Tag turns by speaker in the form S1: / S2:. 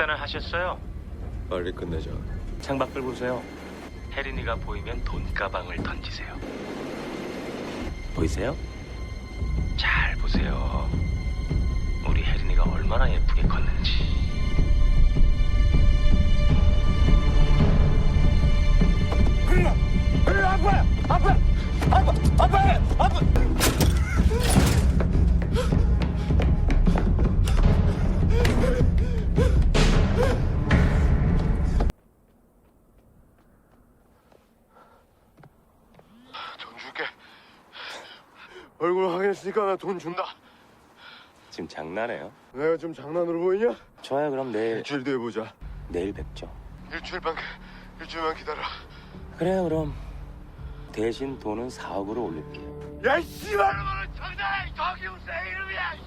S1: 식사는 하셨어요?
S2: 빨리 끝내자.
S1: 창밖을 보세요. 혜린이가 보이면 돈가방을 던지세요. 보이세요? 잘 보세요. 우리 혜린이가 얼마나 예쁘게 컸는지.
S2: 돈 줄게. 얼굴 확인했으니까 나 돈 준다.
S1: 지금 장난해요?
S2: 내가 좀 장난으로 보이냐?
S1: 좋아요. 그럼 내일
S2: 일주일 뒤에 보자.
S1: 내일 뵙죠.
S2: 일주일만 기다려.
S1: 그래요. 그럼 대신 돈은 4억으로 올릴게요.
S2: 야, 씨발! 너는 장난해! 저기 우세 이름이야!